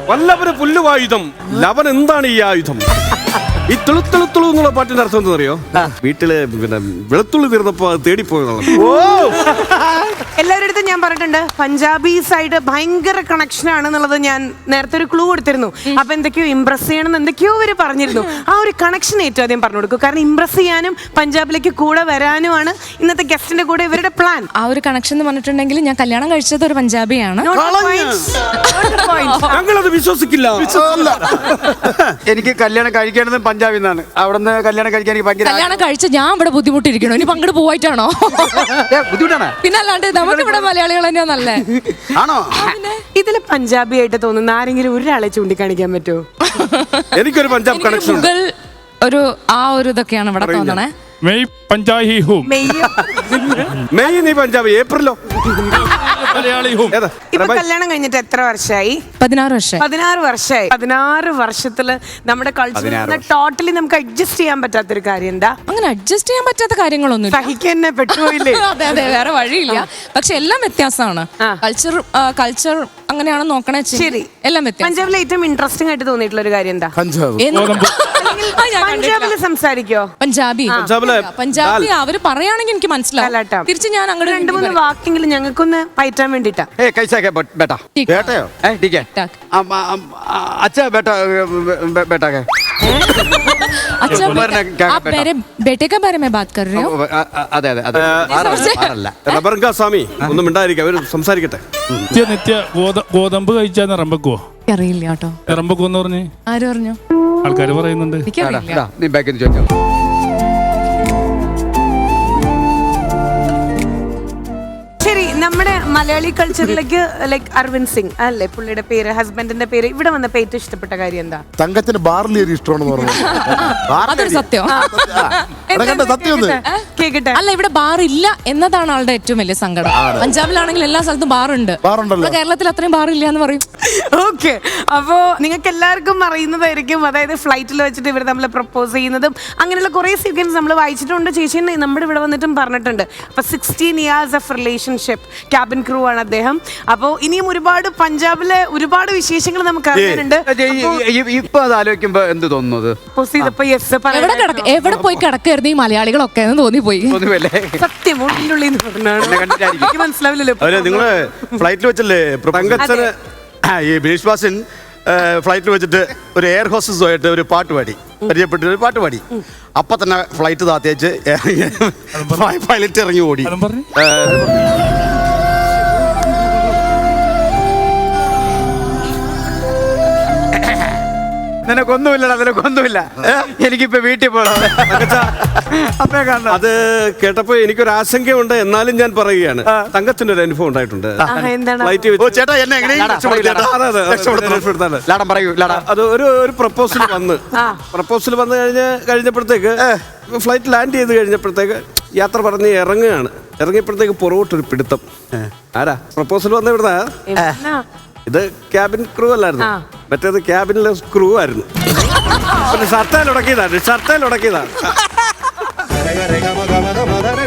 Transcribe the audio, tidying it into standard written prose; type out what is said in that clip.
വല്ലവന് പുല്ലുവായുധം ലവൻ എന്താണ് ഈ ആയുധം? ഈ തുളുത്തുളുത്തുളു എന്നുള്ള പാട്ടിന്റെ അർത്ഥം എന്താ അറിയോ? വീട്ടില് പിന്നെ വെളുത്തുള്ളി തീർന്നപ്പോ അത് തേടിപ്പോയെന്നുള്ളത്. എല്ലാവരുടെ അടുത്തും ഞാൻ പറഞ്ഞിട്ടുണ്ട് പഞ്ചാബി സൈഡ് ഭയങ്കര കണക്ഷൻ ആണെന്നുള്ളത്. ഞാൻ നേരത്തെ ഒരു ക്ലൂ കൊടുത്തിരുന്നു. അപ്പൊ എന്തൊക്കെയോ ഇംപ്രസ് ചെയ്യണം എന്തൊക്കെയോ അവര് പറഞ്ഞിരുന്നു. ആ ഒരു കണക്ഷൻ ഏറ്റവും ആദ്യം പറഞ്ഞു കൊടുക്കും. കാരണം ഇംപ്രസ് ചെയ്യാനും പഞ്ചാബിലേക്ക് കൂടെ വരാനുമാണ് ഇന്നത്തെ ഗസ്റ്റിന്റെ കൂടെ ഇവരുടെ പ്ലാൻ. ആ ഒരു കണക്ഷൻ എന്ന് പറഞ്ഞിട്ടുണ്ടെങ്കിൽ ഞാൻ കല്യാണം കഴിച്ചത് ഒരു പഞ്ചാബിയാണ്. ഞങ്ങളത് വിശ്വസിക്കില്ല. എനിക്ക് കല്യാണം കഴിക്കേണ്ടത് പഞ്ചാബിൽ നിന്നാണ്. അവിടെ നിന്ന് കല്യാണം കഴിക്കാൻ എനിക്ക് ഭയങ്കര കല്യാണം കഴിച്ച ഞാൻ ഇവിടെ ബുദ്ധിമുട്ടിരിക്കണോ? ഇനി പങ്കെടു പോയിട്ടാണോ? ബുദ്ധിമുട്ടാണ്. പിന്നെ അല്ലാണ്ട് നമുക്ക് ഇവിടെ മലയാളികൾ തന്നെയാ നല്ലേ. ആണോ? ഇതില് പഞ്ചാബി ആയിട്ട് തോന്നുന്ന ആരെങ്കിലും ഒരാളെ ചൂണ്ടിക്കാണിക്കാൻ പറ്റുമോ? എനിക്കൊരു പഞ്ചാബ് കണക്ഷൻ മുഗൾ ഒരു ആ ഒരു ഇതൊക്കെയാണ് ഇവിടെ തോന്നണേ. മെയ് പഞ്ചാഹി ഹൂം. മെയ് നീ പഞ്ചാബ്, ഏപ്രിലോ മലയാളി ഹൂം. ഇപ്പൊ കല്യാണം കഴിഞ്ഞിട്ട് എത്ര വർഷമായി? 16 വർഷം. 16 വർഷമായി. 16 വർഷത്തില് നമ്മുടെ കൾച്ചർ ടോട്ടലി നമുക്ക് അഡ്ജസ്റ്റ് ചെയ്യാൻ പറ്റാത്തൊരു കാര്യം എന്താ? അങ്ങനെ അഡ്ജസ്റ്റ് ചെയ്യാൻ പറ്റാത്ത കാര്യങ്ങളൊന്നും സഹിക്കാൻ പെട്ടുപോയില്ലേ? അതെ അതെ, വേറെ വഴിയില്ല. പക്ഷെ എല്ലാം വ്യത്യാസമാണ്. കൾച്ചർ അങ്ങനെയാണ് നോക്കണേ. ശരി, എല്ലാം വ്യത്യാസം. പഞ്ചാബിലെ ഏറ്റവും ഇൻട്രസ്റ്റിംഗ് ആയിട്ട് തോന്നിയിട്ടുള്ള ഒരു കാര്യം എന്താ? പഞ്ചാബില് സംസാരിക്കോ? പഞ്ചാബി അവര് പറയുകയാണെങ്കിൽ എനിക്ക് മനസ്സിലാവും. തിരിച്ച് ഞാൻ അങ്ങോട്ട് 2-3 വാക്കെങ്കിലും ഞങ്ങൾക്കൊന്ന് പയറ്റാൻ വേണ്ടിട്ടാ. अच्छा आप मेरे बेटे के बारे में बात कर रहे हो? സ്വാമി ഒന്നും മിണ്ടായിരിക്കും, അവര് സംസാരിക്കട്ടെ. നിത്യ ഗോതമ്പ് കഴിച്ചാൽ നിറമ്പക്കുവോ? അറിയില്ല കേട്ടോ. നിറമ്പക്കുവെന്ന് പറഞ്ഞ് ആര് പറഞ്ഞു? ആൾക്കാര് പറയുന്നുണ്ട്. ശരി, നമ്മുടെ മലയാളി കൾച്ചറിലേക്ക് ലൈക്ക് അരവിന്ദ് സിംഗ് അല്ലേ പുള്ളിയുടെ പേര്, ഹസ്ബൻഡിന്റെ പേര്, ഇവിടെ വന്നപ്പോ ഏറ്റവും ഇഷ്ടപ്പെട്ട കാര്യം എന്താ? തങ്കത്തിന് ബാർലി ഇഷ്ടമാണെന്ന് പറഞ്ഞു. അതൊരു സത്യം. കേക്കട്ടെ. അല്ല, ഇവിടെ ബാർ ഇല്ല എന്നതാണ് ആളുടെ ഏറ്റവും വലിയ സങ്കടം. പഞ്ചാബിലാണെങ്കിൽ എല്ലാ സ്ഥലത്തും ബാറുണ്ട്. കേരളത്തിൽ അത്രയും ബാർ ഇല്ല എന്ന് പറയും. ഓക്കെ, അപ്പോ നിങ്ങൾക്ക് എല്ലാവർക്കും അറിയുന്നതായിരിക്കും. അതായത് ഫ്ലൈറ്റിൽ വെച്ചിട്ട് ഇവർ നമ്മളെ പ്രപ്പോസ് ചെയ്യുന്നതും അങ്ങനെയുള്ള കുറെ സീക്വൻസ് നമ്മൾ വായിച്ചിട്ടുണ്ട്. ചേച്ചി നമ്മുടെ ഇവിടെ വന്നിട്ടും പറഞ്ഞിട്ടുണ്ട്. അപ്പൊ 16 years of relationship, cabin crew ആണ് അദ്ദേഹം. അപ്പോ ഇനിയും ഒരുപാട് പഞ്ചാബിലെ ഒരുപാട് വിശേഷങ്ങൾ നമുക്ക് അറിയാനുണ്ട്. ഇപ്പൊ അത് ആലോചിക്കുമ്പോ എന്ത് തോന്നുന്നത്? എവിടെ പോയി കിടക്കായിരുന്നു ഈ മലയാളികളൊക്കെ എന്ന് തോന്നിപ്പോയി. സത്യം മനസ്സിലാവില്ലല്ലോ. നിങ്ങള് ഫ്ലൈറ്റിൽ വെച്ചല്ലേ തങ്കച്ചന് ഈ ബിനീഷ് ബാസിൻ ഫ്ലൈറ്റിൽ വെച്ചിട്ട് ഒരു എയർ ഹോസ്റ്റസുമായിട്ട് ഒരു പാട്ട് പാടി, പരിചയപ്പെട്ട് ഒരു പാട്ട് പാടി. അപ്പൊ തന്നെ ഫ്ലൈറ്റ് താത്തേച്ച് പൈലറ്റ് ഇറങ്ങി ഓടി. നിനക്കൊന്നുമില്ല. എനിക്കിപ്പോ വീട്ടിൽ പോകണം. അത് കേട്ടപ്പോ എനിക്കൊരു ആശങ്കയുണ്ട്. എന്നാലും ഞാൻ പറയുകയാണ്, തങ്കത്തിന്റെ ഒരു അനുഭവം ഉണ്ടായിട്ടുണ്ട്. അത് ഒരു പ്രപ്പോസൽ വന്നു കഴിഞ്ഞപ്പോഴത്തേക്ക് ഫ്ലൈറ്റ് ലാൻഡ് ചെയ്ത് കഴിഞ്ഞപ്പോഴത്തേക്ക് യാത്ര പറഞ്ഞ് ഇറങ്ങിയപ്പോഴത്തേക്ക് പുറകോട്ടൊരു പിടുത്തം. ആരാ പ്രപ്പോസൽ വന്ന ഇവിടുന്ന? ഇത് ക്യാബിൻ ക്രൂ അല്ലായിരുന്നു, മറ്റേത് ക്യാബിനിലെ സ്ക്രൂ ആയിരുന്നു. ഷർട്ടയിൽ ഉടക്കിയതാണ്.